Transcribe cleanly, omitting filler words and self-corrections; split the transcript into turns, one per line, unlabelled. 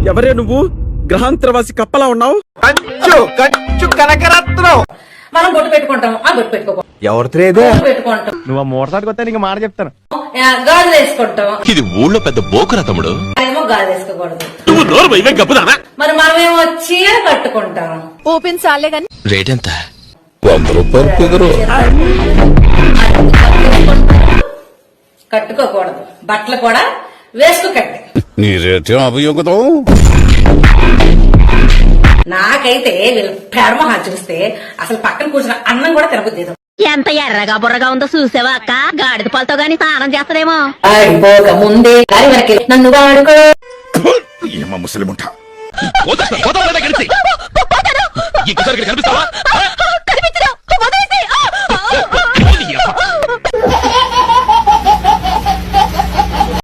ఎవరే నువ్వు? గ్రహాంతరవాసి కప్పలా ఉన్నావు.
కనకరత్నం.
మనం బొట్టు పెట్టుకుంటాం, ఆ బొట్టు పెట్టుకోకూడదు.
ఎవరితో
పెట్టుకుంటాం.
నువ్వు మూడసారికి వస్తే నీకు మాట చెప్తాను.
గాజులు వేసుకుంటాం.
ఇది ఊళ్ళో పెద్ద బోకురా తమ్ముడు.
ఏమో గాజులు వేసుకోకూడదు.
నువ్వు నోరు ఇవే గప్పుదానా?
మరి మనమేమో చీర కట్టుకుంటాం.
ఓపెన్ చాలే గాని
రేట్ ఎంత?
100 రూపాయలు కుదరు.
కట్టుకోకూడదు. బట్టలు కూడా వేసుకోకండి.
నీ రేటే అభియోగం.
నాకైతే వీళ్ళు పెడమొహాలు చూస్తే అసలు పక్కన కూర్చున్న అన్నం కూడా తినబుద్ది.
ఎంత ఎర్రగా బుర్రగా ఉందో చూసావా అక్క? గాడిద పాలతో గాని స్నానం చేస్తారేమో.
ఆడిపోక ముందే గాలి వరకు నన్ను వాడుకో.
ఏమో ముసలిముఠ.
కనిపిస్తావా?